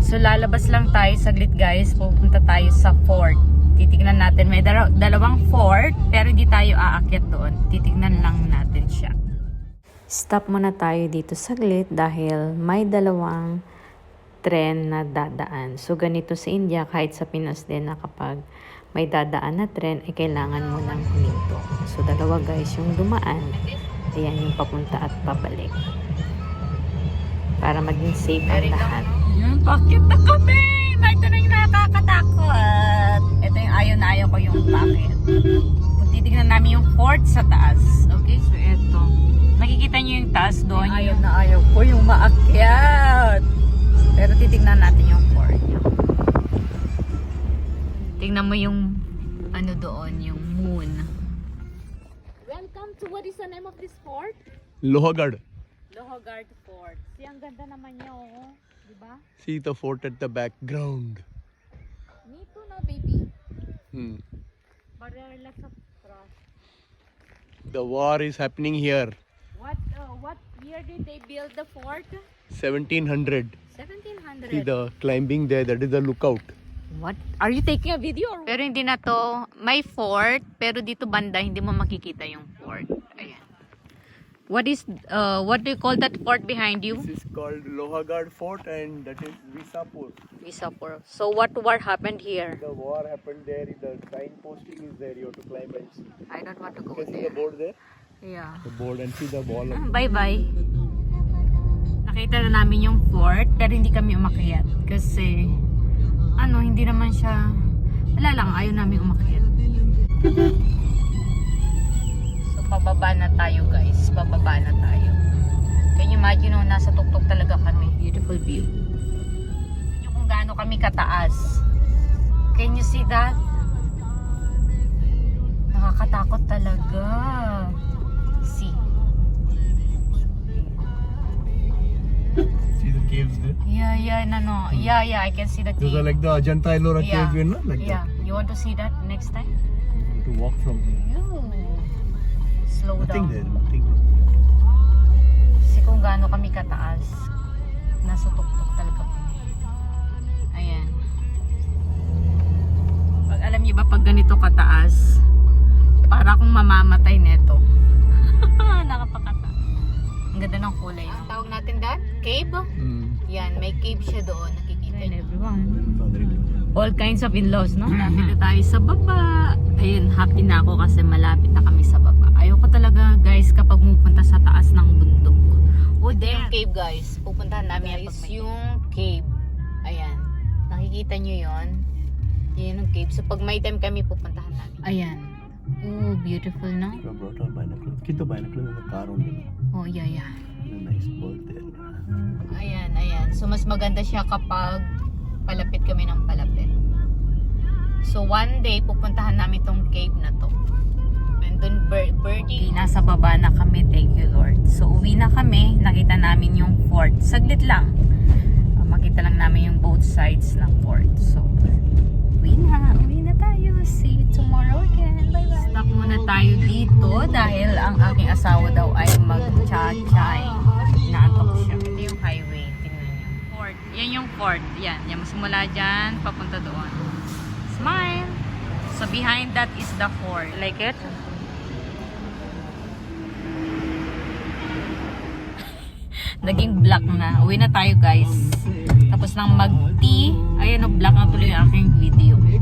So lalabas lang tayo saglit guys. Pupunta tayo sa fort. Titignan natin. May dalawang fort pero hindi tayo aakyat doon. Titignan lang natin siya. Stop muna tayo dito saglit dahil may dalawang tren na dadaan. So ganito sa India, kahit sa Pinas din na kapag may dadaan na tren ay kailangan mo nang huminto. So dalawa guys yung dumaan. Ayan yung papunta at pabalik. Para maging safe ang lahat. Yan, pakit na kami! Ito na yung nakakatakot. Ito yung ayaw na ayaw ko yung pakit. Kung titignan namin yung fort sa taas. Okay, so ito. Nakikita nyo yung taas doon. Ayaw na ayaw ko yung maakyat. Pero titignan natin yung fort. Tingnan mo yung ano doon, yung moon. Welcome to what is the name of this fort? Lohagarh. Lohagarh Fort. See, ang ganda naman niya, oh. Diba? See the fort at the background. Me too na, baby. But there are lots of trash. the war is happening here. What year did they build the fort? 1700. 1700. See the climbing there, that is the lookout. What? Are you taking a video? Pero hindi na to. May fort, pero dito banda hindi mo makikita yung fort. Ayan. What do you call that fort behind you? This is called Lohagarh Fort and that is Visapur. Visapur. So what war happened here? The war happened there, the signposting is there, you have to climb and see. I don't want to You go can see there. the board there? Yeah. The board and see the wall. Bye-bye. Nakita na namin yung fort, pero hindi kami umakyat. Kasi, hindi naman siya, wala lang, ayaw namin umakyat. So, pababa na tayo guys. Pababa na tayo. Can you imagine nasa tuktok talaga kami. Beautiful view. Yung kung gaano kami kataas. Can you see that? Nakakatakot talaga. See. See the caves there? Yeah, I can see the Those cave. are like the Ajanta Ellora cave, you know? Like Yeah. You want to see that next time? that. To walk from here. Slow Nothing down. there, nothing. Kasi kung gaano kami kataas, nasa tuktok talaga kami. Ayan. Pag alam niyo ba pag ganito kataas, para akong mamamatay neto. Nakapakata. Ang ganda ng kulay. Ang tawag natin dad? Cave? Yan, may cave siya doon. Nakikita niyo. Everyone. All kinds of in-laws, no? Malapit na tayo sa baba. Ayun, happy na ako kasi malapit na kami sa baba. Ayoko talaga, guys, kapag pupunta sa taas ng bundok. Oh, there. Yung cave, guys. Pupuntahan namin guys, yung cave. Ayan. Nakikita nyo yon. Yan yung cave. So, pag may time kami, pupuntahan namin. Ayan. Oh, beautiful, no? I brought our binoculars. Keep the binoculars in the car only. Oh, yeah. A nice bird there. Ayan. So, mas maganda siya kapag palapit kami ng palapit. So, one day, pupuntahan namin tong cave na to. And then, birdie. Nasa baba na kami, thank you Lord. So, uwi na kami. Nakita namin yung fort. Saglit lang. Makita lang namin yung both sides ng fort. So, uwi na tayo. See you tomorrow again. Bye-bye. Stop muna tayo dito dahil ang aking asawa daw ay mag-cha-chay. Inaantok siya. Ito yung highway. Tingnan niyo. Fort. Yan yung fort. Yan. Simula dyan, papunta doon. Smile! So behind that is the fort. Like it? Naging black na. Uwi na tayo guys. Tapos nang mag-tea, ayan o, black na tuloy yung aking video.